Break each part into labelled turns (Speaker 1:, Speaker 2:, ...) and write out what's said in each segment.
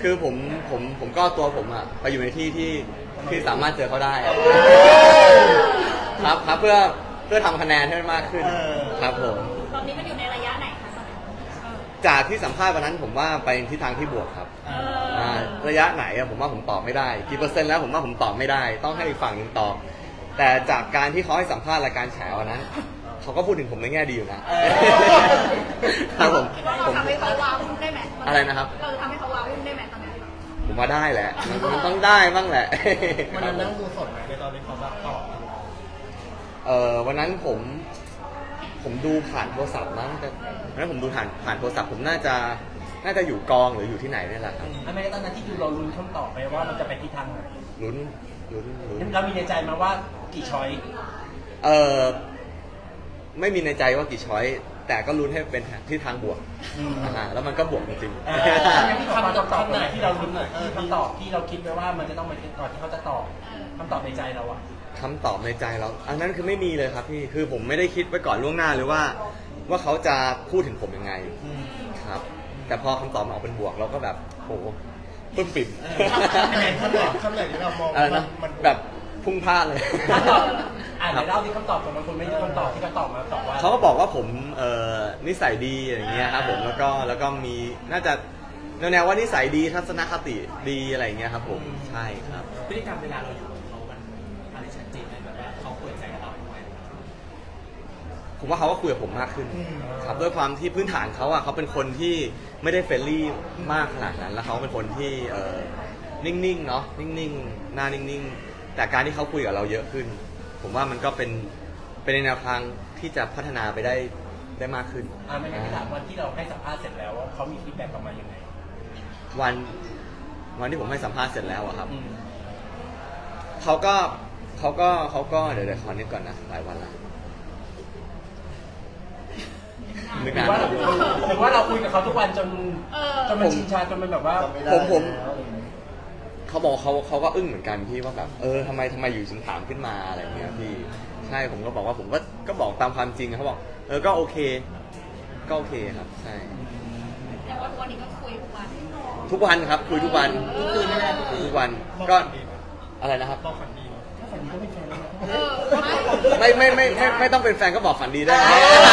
Speaker 1: คือผมก็ตัวผมอะไปอยู่ในที่ที่สามารถเจอเขาได้ครับเพื่อทำคะแนนให้มันมากขึ้นครับผม
Speaker 2: ตอนนี้มันอยู่ในระยะไหนคะตอนนี้
Speaker 1: จากที่สัมภาษณ์วันนั้นผมว่าไปทิศทางที่บวกครับระยะไหนอะผมว่าผมตอบไม่ได้กี่เปอร์เซ็นต์แล้วผมว่าผมตอบไม่ได้ต้องให้อีกฝั่งหนึงตอบแต่จากการที่เขาให้สัมภาษณ์รายการแฉวันนั้นเขาก็พูดถึงผมในแง่ดีอยู่นะครับผม
Speaker 2: เราทำให้เขาว้าวได้ไหม
Speaker 1: อะไรนะครับ
Speaker 2: เราทำให้เขาว้าวได้ไหมตอนนี้
Speaker 1: ผมว่าได้แหละมันต้องได้บ้างแหละ
Speaker 3: วันนั้นนั่งดูสดไหมในตอนที่เขาแบบตอบ
Speaker 1: วันนั้นผมดูผ่านโทรศัพท์มั้งแต่วันนั้นผมดูผ่านโทรศัพท์ผมน่าจะอยู่กองหรืออยู่ที่ไหนนี่แหละครับ
Speaker 3: ไม่ตอนนั้นที่ดูเราลุ้นคำตอบไปว่ามันจะไปทิศทางไหน
Speaker 1: ลุ้น
Speaker 3: เรามีในใจมาว่ากี่ช้อย
Speaker 1: ไม่มีในใจว่ากี่ช้อยแต่ก็ลุ้นให้เป็นที่ทางบวกแล้วมันก็บวกจริง
Speaker 3: คำตอบไหนที่เราลุ้นคำตอบที่เราคิดไว้ว่ามันจะต้องไปก่อนที่เขาจะตอบคำตอบในใจเราอะ
Speaker 1: คำตอบในใจเราอันนั้นคือไม่มีเลยครับพี่คือผมไม่ได้คิดไว้ก่อนล่วงหน้าเลยว่าเขาจะพูดถึงผมยังไงครับแต่พอคำตอบมันออกเป็นบวกเราก็แบบโหปึ้มปิ่ม
Speaker 3: คำไหนที่เรามอง
Speaker 1: มันแบบพุ่งพลาดเลย
Speaker 3: เล่าที่คำตอบของมันคนไม่ใช่คำตอบที่เขาตอบมาตอบว่า
Speaker 1: เขาก็บอกว่าผมนิสัยดีอย่างเงี้ยครับผมแล้วก็มีน่าจะแนวว่านิสัยดีทัศนคติดีอะไรอย่างเงี้ยครับผมใช่ครับ
Speaker 3: พฤติกรรมเวลาเราอยู่กับเขามันอะไรชัดเจนเลยแบบว่าเขาเปิดใจกับเราด้วย
Speaker 1: ผมว่าเขาก็คุยกับผมมากขึ้นครับด้วยความที่พื้นฐานเขาอะเขาเป็นคนที่ไม่ได้เฟรนลี่มากขนาดนั้นแล้วเขาเป็นคนที่นิ่งๆเนาะนิ่งๆหน้านิ่งๆแต่การที่เขาคุยกับเราเยอะขึ้นผมว่ามันก็เป็นในแนวทางที่จะพัฒนาไปได้มากขึ้น
Speaker 3: ไม่งั้นที่ถามวันที่เราให้สัมภาษณ์เสร็จแล้วเขามีฟีดแบ็กกลับมายังไง
Speaker 1: วันที่ผมให้สัมภาษณ์เสร็จแล้วอะครับเขาก็เดี๋ยวขอนิดก่อนนะหลายวันละ
Speaker 3: หรือว่าเราคุยกับเขาทุกวันจนมันชินชาจนมันแบบว่า
Speaker 1: ผมเขาบอกเขาก็อึ้งเหมือนกันพี่ว่าแบบทำไมอยู่ถึงถามขึ้นมาอะไรเงี้ยพี่ใช่ผมก็บอกว่าผมก็บอกตามความจริงเขาบอกก็โอเคครับใช่
Speaker 2: แต่ว่าวันนี้ก็คุยทุกวัน
Speaker 1: ครับคุยทุกวันทุกวันก็อะไรนะครับไม่ต้องเป็นแฟนก็บอกฝันดีได้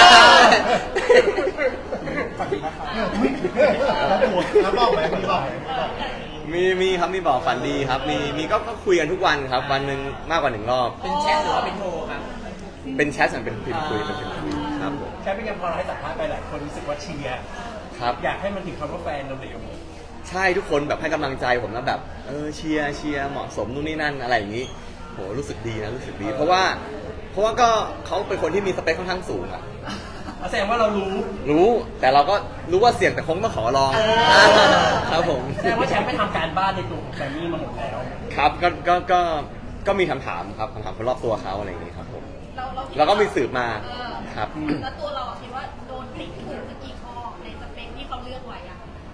Speaker 3: แล้วบอกไหม
Speaker 1: มีครับมีบอกฝันดีครับมีก็คุยกันทุกวันครับวันหนึ่งมากกว่า1 รอบ
Speaker 3: เป็นแชทหรือว่าเป็นโทรครับ
Speaker 1: เป็นแชทเป็นพิมพ์คุยเป็นพิมพ์คุยครับผม
Speaker 3: แชทเป็นยังพอเราให้สัมภาษณ์ไปหลายคนรู้สึกว่าเชียร์
Speaker 1: ครับ
Speaker 3: อยากให้มันถึงคำว่าแฟนเราเร็ว
Speaker 1: ใช่ทุกคนแบบให้กำลังใจผมแล้วแบบเชียร์เหมาะสมนู่นนี่นั่นอะไรอย่างนี้โหรู้สึกดีเพราะว่าก็เขาเป็นคนที่มีสเปคค่อนข้างสูงอะ
Speaker 3: แสดงว่าเรา
Speaker 1: รู้แต่เราก็รู้ว่าเสี่ยงแต่คงต้องขอลองครับผม
Speaker 3: แสดงว่าแชมป์ไปทำการบ้านในตัวของแฟนนี่มาหมดแล้ว
Speaker 1: ครับก็มีคำถามครับคนรอบตัวเขาอะไรอย่างนี้ครับผมแล้วก็มีสืบมาครับ
Speaker 2: แล้วตัวเราคิดว่าโดนติ๊กถูกกี่ข้อในสเปคที่เขาเลือกไว้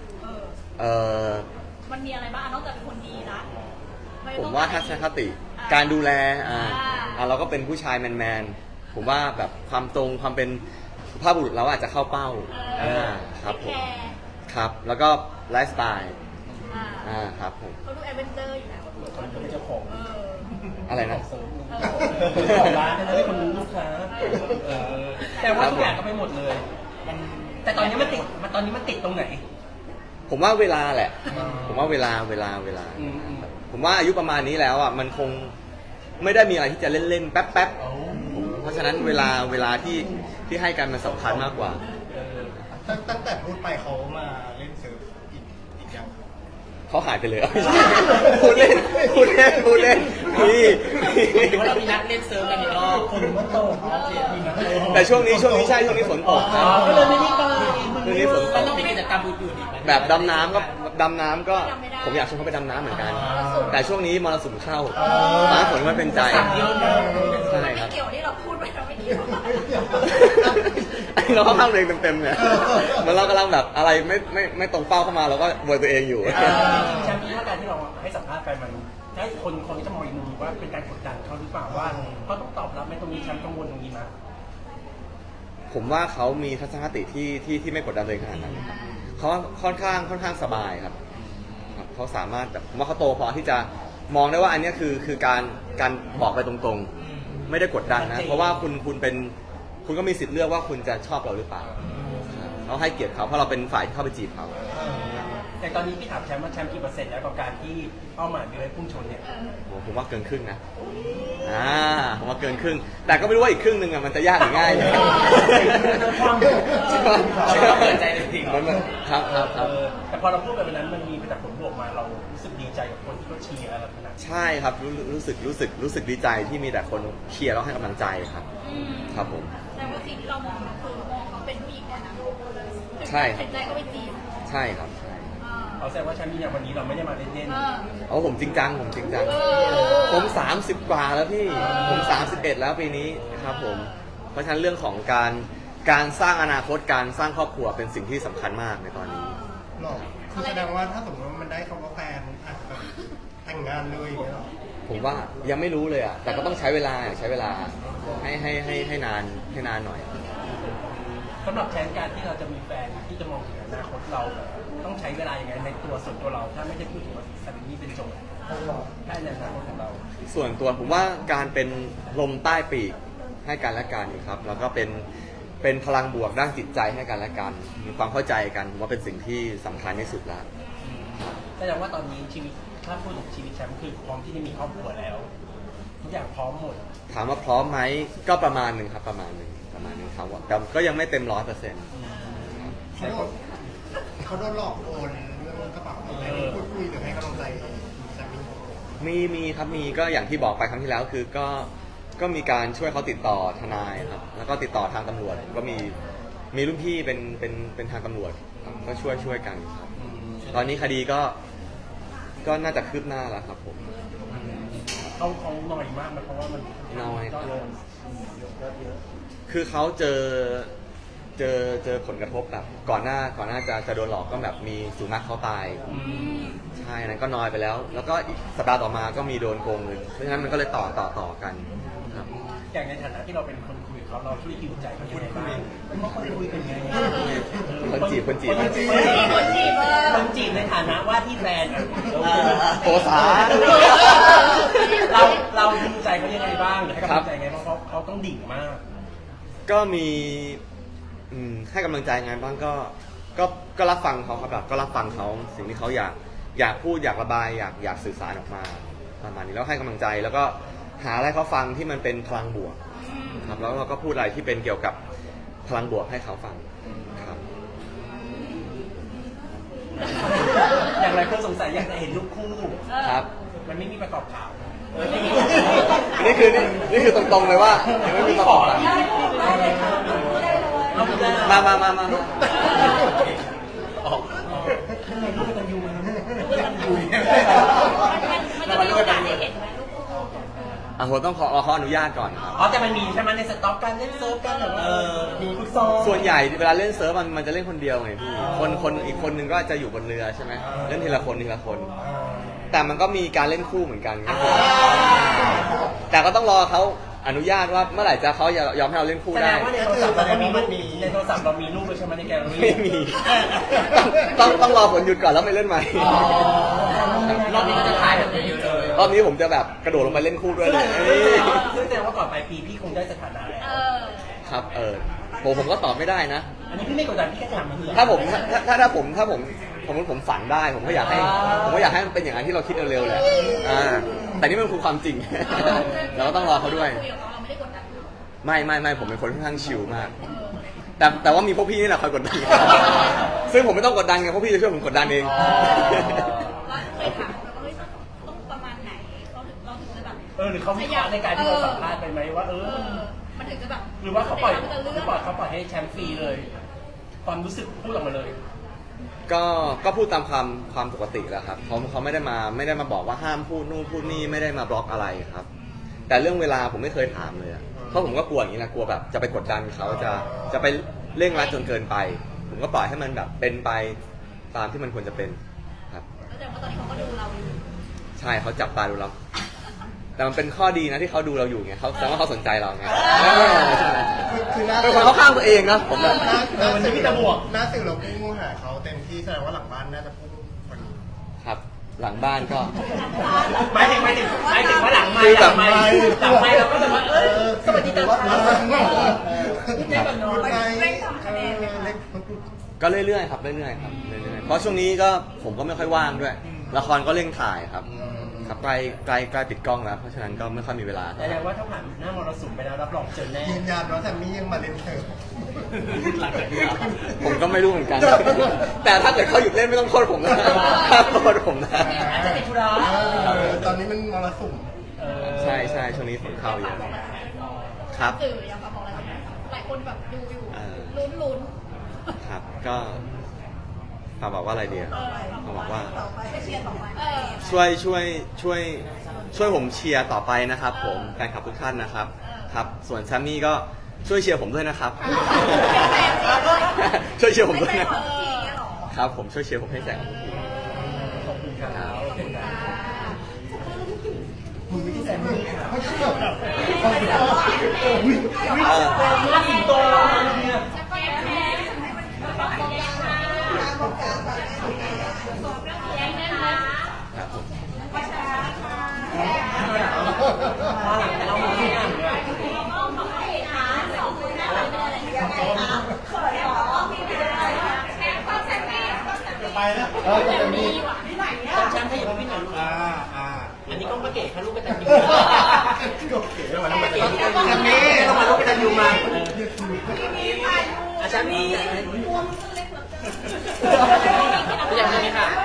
Speaker 2: มันมีอะไรบ้างนอกจากเป็นคนดีนะ
Speaker 1: ผมว่าทัศนคติการดูแลเราก็เป็นผู้ชายแมนผมว่าแบบความตรงความเป็นสุภาพบุรุษเราอาจจะเข้าเป้าครับผมครับแล้วก็ไลฟ์สไตล์ครับผม
Speaker 2: เขาดูแอดเวนเจอร์อยู่แล้ว
Speaker 3: เขาเป็นเจ้าของ
Speaker 1: อะไรนะ
Speaker 3: ของร้านนะที่คนรู้ลูกค้าแต่ว่าทุกอย่างก็ไม่หมดเลยแต่ตอนนี้มันติดตรงไหน
Speaker 1: ผมว่าเวลาแหละผมว่าเวลาผมว่าอายุประมาณนี้แล้วอ่ะมันคงไม่ได้มีอะไรที่จะเล่นๆแป๊บเพราะฉะนั้นเวลาที่ให้กันมันสำคัญมากกว่า
Speaker 3: ตั้งแต่พูดไปเขามาเล่นเซิร์ฟอีกอย่าง
Speaker 1: เขาหายไปเลยพูดเล่นพี่
Speaker 3: ว่าเรามีนัดเล่นเซิร์ฟกันอีกรอบคนมันโต
Speaker 1: แต่ช่วงนี้ใช่ช่วงนี้ฝนตก
Speaker 3: ก็เลยไม่ได้ไป
Speaker 1: ช่วงนี้ฝนตก
Speaker 3: ต้องมีกิจกรรมอื่นๆ
Speaker 1: แบบดำน้ำก็ผมอยากชวนเขาไปดำน้ำเหมือนกันแต่ช่วงนี้มรสุมเข้าฟ้าฝนมันเป็นใจใช่ครับ
Speaker 2: เกี่ยวที่เราพูดไปเราไม่เกี่ยว
Speaker 1: เราเข้าข้างตัวเองเต็มๆเนี่ยเหมือนเรากำลังแบบอะไรไม่ตรงเป้าเข้ามาเราก็บวยตัวเองอยู่
Speaker 3: แชมป์คิดว่าการที่เราให้สัมภาษณ์ไปมันให้คนที่จะมองอีกมุมว่าเป็นการกดดันเขาหรือเปล่าว่าเขาต้องตอบรับในตรงนี้แชมป์กังวลตรงนี้มั้ย
Speaker 1: ผมว่าเขามีทัศนคติที่ไม่กดดันเลยขนาดนั้นเขาค่อนข้างสบายครับเขาสามารถแบบผมว่าเขาโตพอที่จะมองได้ว่าอันเนี้ยคือการบอกไปตรงๆไม่ได้กดดันนะเพราะว่าคุณก็มีสิทธิ์เลือกว่าคุณจะชอบเราหรือเปล่าเราให้เกียรติเขาเพราะเราเป็นฝ่ายที่เข้าไปจีบเขา
Speaker 3: แต่ตอนนี้พี่ถามแชมป์ว่าแชมป์กี่เปอร์เซ็นต์แล้วกับการที่เป้าหมายมีไว้พุ่งชนเนี่ย
Speaker 1: ผมว่าเกินครึ่งนะผมว่าเกินครึ่งแต่ก็ไม่รู้ว่าอีกครึ่งหนึ่งมันจะยากหรือง่ายเลย
Speaker 3: ความเราเปิดใจจริง
Speaker 1: ครับ
Speaker 3: แต่พอเราพูดแบบนั้นมันมีแต่ผลบวกมาเรารู้สึกดีใจกับคนที่เขาเชียร์เราขนาด
Speaker 1: ใช่ครับรู้สึกดีใจที่มีแต่คนเชียร์แล้วให้กำลังใจครับครับผม
Speaker 2: แต่ว่าสิ่งที่เรามองคือมองเขาเป็นผู้หญิงก่อนนะ
Speaker 1: ใช่ครับ
Speaker 2: เห็นใจก็ไปจีบ
Speaker 1: ใช่ครับใช่
Speaker 3: เขาแสดงว่าแชมป์มีอย่างวันนี้เราไม่ได้มาเล่น
Speaker 1: เอาผมจริงจังผม30 กว่าแล้วพี่ผม31แล้วปีนี้ครับผมเพราะฉะนั้นเรื่องของการสร้างอนาคตการสร้างครอบครัวเป็นสิ่งที่สำคัญมากในตอนนี้
Speaker 4: หรอคือแสดงว่าถ้าสมมติว่ามันได้คำว่าแฟนอาจจะแบบแต่งงานเลยอย่างเงี้ยหรอ
Speaker 1: ผมว่ายังไม่รู้เลยอ่ะแต่ก็ต้องใช้เวลาให้นานหน่อย
Speaker 3: ๆสำหรับแชมป์การที่เราจะมีแฟนที่จะมองถึงอนาคตเราต้องใช้เวลาอย่างไรในตัวส่วนตัวเราถ้าไม่ได้พูดถึงว่าสามีเป็นโจทย์ได้ในอนาคตของเรา
Speaker 1: ส่วนตัวผมว่าการเป็นลมใต้ปีกให้กันและกันครับแล้วก็เป็นพลังบวกด้านจิตใจให้กันและกันมีความเข้าใจกันผมว่าเป็นสิ่งที่สำคัญที่สุดแล้ว
Speaker 3: แสดงว่าตอนนี้ชีวิตถ้าพูดถึงชีวิตแชมป์คือพร้อมที่จะมีครอบครัวแล้วทุกอย่างพร้อมหมด
Speaker 1: ถามว่าพร้อมไหมก็ประมาณหนึ่งครับประมาณหนึ่งครับแต่ก็ยังไม่เต็ม100%
Speaker 4: เขาโดนหลอกโอนเรื่องกระเป๋าอะไรพูดคุยหรือให้กำลังใจสามี
Speaker 1: มีครับมีก็อย่างที่บอกไปครั้งที่แล้วคือก็มีการช่วยเขาติดต่อทนายครับแล้วก็ติดต่อทางตำรวจก็มีรุ่นพี่เป็นทางตำรวจครับก็ช่วยกันครับตอนนี้คดีก็น่าจะคืบหน้าแล้วครับผม
Speaker 3: เขาหน่อยมากนะเพราะว่ามัน
Speaker 1: น้อย
Speaker 3: ก็
Speaker 1: คือเขาเจอผลกระทบแบบก่อนหน้าจะโดนหลอกก็แบบมีสุนัขเขาตายใช่นั้นก็น้อยไปแล้ว แล้วก็อีกสัปดาห์ต่อมาก็มีโดนโกงเงินเพราะฉะนั้นมันก็เลยต่อกันครับ
Speaker 3: อย่างในฐานะที่เราเป็นคนคุยเขาเราช่วยฮิวใจเขายังไงบ้างเพราะคนคุยเป็นไง
Speaker 1: คนจีบ
Speaker 2: คนจีบ
Speaker 3: ในฐานะว่าที่แฟน
Speaker 1: โอสา
Speaker 3: เราฮิวใจเขายังไงบ้างหรือให้กำลังใจไงเพราะเขาต้องดิ่งมาก
Speaker 1: ก็มีให้กำลังใจงานบ้างก็รับฟังเขาครับแบบก็รับฟังเขาสิ่งที่เขาอยากพูดอยากระบายอยากสื่อสารออกมาประมาณนี้แล้วให้กำลังใจแล้วก็หาอะไรเขาฟังที่มันเป็นพลังบวกครับแล้วเราก็พูดอะไรที่เป็นเกี่ยวกับพลังบวกให้เขาฟังครับ
Speaker 3: อย่างไรคนสงสัยอยากจะเห็นรูปคู่
Speaker 1: ครับ
Speaker 3: มันไม่มีประกอบข่าว
Speaker 1: นี่คือตรงๆเลยว่ายังไม่มีประกอบอะมาออก
Speaker 3: ข้างในรูปกันยูมัน
Speaker 2: มันจะมีโอกาสได้เห็นไหมลูกคู่
Speaker 1: ผมต้องขออนุญาตก่อนครับ
Speaker 3: อ๋อแต่มันมีใช่ไหมในสต็อกการเล่นเซิร์ฟกันแบบมีฟุตซอล
Speaker 1: ส่วนใหญ่เวลาเล่นเซิร์ฟมันจะเล่นคนเดียวไงพี่คนอีกคนนึงก็จะอยู่บนเรือใช่ไหมเล่นทีละคน แต่มันก็มีการเล่นคู่เหมือนกันครับแต่ก็ต้องรอเขาอนุญาตว่าเมื่อไหร่จะเขายอมให้เราเล่นคู่
Speaker 3: แสด
Speaker 1: ได้
Speaker 3: งว่าในโทรศัพท์เราก็มีรูปในโทรศัพท์เรามีรูปเลยใช่ไหมในแกลเลอรี่
Speaker 1: ไม่มีต้องรอผลหยุดก่อนแล้วไม่เล่นใหม่
Speaker 3: รอบนี้ก็จะถ่ายแบบเยอะเลย
Speaker 1: รอบนี้ผมจะแบบกระโดดลงไปเล่นคู่ด้วยเลย
Speaker 3: ซึ่งแสดงว่าก่อนปลายปีพี่คงได้สถานะแล้ว
Speaker 1: ครับผมก็ตอบไม่ได้นะ
Speaker 3: อันนี้พี่ไม่กดดันพี่แค่ถามมันคือ
Speaker 1: ถ้าผมฝันได้ผมก็อยากให้มันเป็นอย่างนั้นที่เราคิดเร็วๆแหละแต่นี่มันคือความจริง เราก็ต้องรอเขาด้วย
Speaker 2: คุยกับเขาเราไม่ได้กดดัน
Speaker 1: ไม่ผมเป็นคนค่อนข้างชิลมาก แต่ว่ามีพวกพี่นี่แหละคอยกดดัน ซึ่งผมไม่ต้องกดดันไงพวกพี่จะช่วยผมกดดันเอง
Speaker 2: เราเคยถามเราว่าเฮ้ยต้องประมาณไหนเราถึงจะแบบ
Speaker 3: หรือเขาวิเคราะห์ในการที่เราสัมภาษณ์ไปไหมว่า
Speaker 2: มันถึงจะแบบ
Speaker 3: หรือว่าเขาปล่อย
Speaker 2: จะเลือก
Speaker 3: เขาปล่อยให้แชมป์ฟรีเลย ความรู้สึกพูดออกมาเลย
Speaker 1: ก็พูดตามความปกติแหละครับเขาไม่ได้มาบอกว่าห้ามพูดนู่นพูดนี่ไม่ได้มาบล็อกอะไรครับ แต่เรื่องเวลาผมไม่เคยถามเลยเพราะผมก็กลัวอย่างนี้นะกลัวแบบจะไปกดดันเขาจะไปเร่งรัดจนเกินไป ผมก็ปล่อยให้มันแบบเป็นไปตามที่มันควรจะเป็นครับ
Speaker 2: แต่ว่าตอนนี้เขาก็ดูเราอยู่
Speaker 1: ใช่เขาจับตาดูเรา แต่มันเป็นข้อดีนะที่เขาดูเราอยู่ไงเขาแสดงว่าเขาสนใจเราไง
Speaker 4: คือหน้า
Speaker 1: เป็นคนเขาข้างตัวเองนะผมแบบ
Speaker 3: วันนี้มีแต่บวก
Speaker 4: หน้าสื่อเราพุ่งหาเขาเต็มที่แสดงว่าหลังบ้านน่าจะพุ่งคน
Speaker 1: ครับหลังบ้านก็
Speaker 3: หมายถึงว่าหลังไม
Speaker 1: คือ
Speaker 3: ค์ห
Speaker 1: แบ
Speaker 3: ลั
Speaker 1: บ
Speaker 3: งไมค์เราก็จะมาสวัสดีตอนเช้าพี่เจ๊กับน้อง
Speaker 2: เร่งทำคะแนนเลย
Speaker 4: เล็ก
Speaker 1: ก็เรื่อยๆครับเรื่อยๆครับเรื่อยๆเพราะช่วงนี้ก็ผมก็ไม่ค่อยว่างด้วย ละครก็เร่งถ่ายครับครับใกล้ปิดกล้องแล้ว เพราะฉะนั้นก็ไม่ค่อยมีเวลา
Speaker 3: แสดงว่าถ้าผ่านหน้ามรสุมไปแล้วรับรองเจอแน่
Speaker 4: ยืนยันว่าแซมมี่ยังมาเล่นเถอะ
Speaker 1: ผมก็ไม่รู้เหมือนกัน แต่ถ้าเกิดเขาหยุดเล่นไม่ต้องโทษผมนะถ้าโทษผมนะ
Speaker 3: อาจจะติดธุระ
Speaker 4: ตอนนี้มันมรสุม
Speaker 1: ใช่ใช่ช่วงนี้ฝนเข้าเยอะครับ
Speaker 2: สื่อยังบอกอะไรหลายคนแบบดูอยู่
Speaker 1: เออ
Speaker 2: ลุ้น
Speaker 1: ครับก็ฝากบอกว่าอะไรเดียวฝากบอกว่า
Speaker 2: ไปเชียร์ต่อไป
Speaker 1: ช่วยผมเชียร์ต่อไปนะครับ ผมแฟนคลับทุกท่านนะครับครับส่วนแซมมี่ก็ช่วยเชียร์ผมด้วยนะครับ ช่วยเชียร์ผมด้วยนะ
Speaker 2: ทีเนี้ยหรอ
Speaker 1: ครับผมช่วยเชียร์ผมให้แสงทุกที
Speaker 3: ขอบคุณครับ
Speaker 4: มึงไม่ใช่แซมมี่ไม่ใช่แบบ
Speaker 3: มาสิงโตเราเนี่ย
Speaker 1: ครับผม
Speaker 3: มาหลังแต่เราไม่ได้อ่านเลย
Speaker 4: ไปแล้วแซมมี่
Speaker 3: แชมป์ให้อยู่กับพี่หน่อยลูก
Speaker 4: อ่า
Speaker 3: อันนี้ก็มาเก๋ค่ะลูกกระตันยู
Speaker 4: ก็เก๋แล้วมัน
Speaker 3: มา
Speaker 4: เก๋
Speaker 3: เก๋แชมป์นี่เรามาลูกกระตันยูมาแชมป์นี่พี่ยังไงค่ะ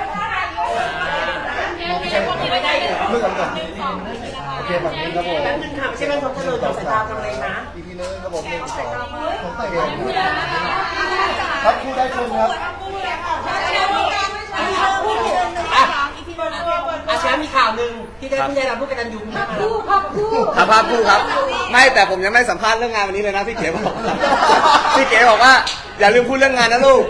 Speaker 2: แชมป์พวกนี้ไม่ได้เลย
Speaker 4: เมื่อก่อนก่อนโอเคแบบนี้ครับผม
Speaker 3: แป๊บนึงค่ะไม่ใช่แม่ทบทะเลทำสายตาทำอะไรนะ
Speaker 4: อีกทีนึงครับผม1 2ผมใส่เองครับคู่ได้ชมครับ
Speaker 3: อาแชมป์มีข่าวหนึ่งที่ได้ผู้ได้รับลูกกระตันยูมา
Speaker 1: ครับภาพคู่ครับ ไม่แต่ผมยังไม่สัมภาษณ์เรื่องงานวันนี้เลยนะพี่เก๋บอกพี่เก๋บอกว่าอย่าลืมพูดเรื่องงานนะลูก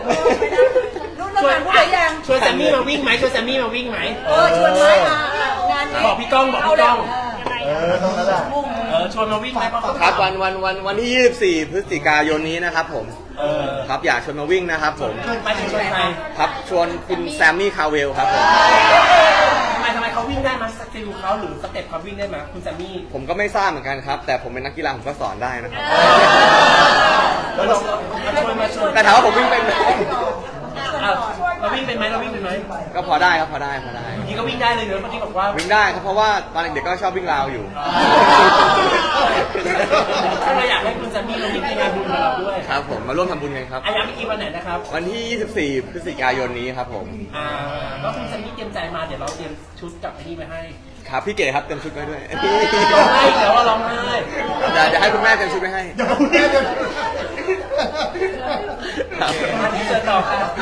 Speaker 3: ชวนแซมมี่มาวิ่งไหมชวนแซมมี่มาวิ่งไหม
Speaker 2: ชวนไม้มางาน
Speaker 3: บอกพี่ก้องบอกพี่ก้อง
Speaker 4: เท่านั้นแหละ
Speaker 3: ชวนมาวิ่งไหมเพราะเขา
Speaker 1: ครับวันที่ 24 พฤศจิกายนนี้นะครับผมครับอยากชวนมาวิ่งนะครับผม
Speaker 3: ไปถึงชวนใคร
Speaker 1: ครับชวนคุณแซมมี่คาเวลครับผม
Speaker 3: ทำไมเขาวิ่งได้มาสกิลเขาหรือสเต็ปเขาวิ่งได้ไหมคุณแซมมี่
Speaker 1: ผมก็ไม่ทราบเหมือนกันครับ แต่ผมเป็นนักกีฬาผมก็สอนได้นะครับ
Speaker 3: แล้วเรามาชวน
Speaker 1: แต่ถามว่าผมวิ่งเป็นไหม
Speaker 3: เราวิ่งเป็นไหมเราวิ่งเป็นไหม
Speaker 1: ก็พอได้ครับพอได้
Speaker 3: นี่ก็วิ่งได้เลยเนอะเมื่อกี้บอกว่า
Speaker 1: วิ่งได้ครับเพราะว่าตอนเด็กๆก็ชอบวิ่งราวอยู่
Speaker 3: ก็เลยอยากให้คุณแซมมี่มาวิ่งในงานบุญกับเราด้วย
Speaker 1: ครับผมมาร่วมทำบุญกันครับ
Speaker 3: อาย้ำอีกทีวันไหนนะครับ
Speaker 1: วันที่ 24 พฤศจิกายนนี้ครับผม
Speaker 3: ก็คุณแซมมี่เตรียมใจมาเดี๋ยวเราเตรียมชุดกับไอ้นี่ไปให้
Speaker 1: ครับพี่เก๋ครับเต็มชุดไว้ด้วย
Speaker 3: ร้องไห้เดี๋ยวเราร้องไห้
Speaker 1: เดี๋ยวให้คุณแม่เต็มชุดไว้ให้
Speaker 4: เดี๋ยวคุณแม่จะ
Speaker 1: ครับ
Speaker 3: ที่เจอต่อครับ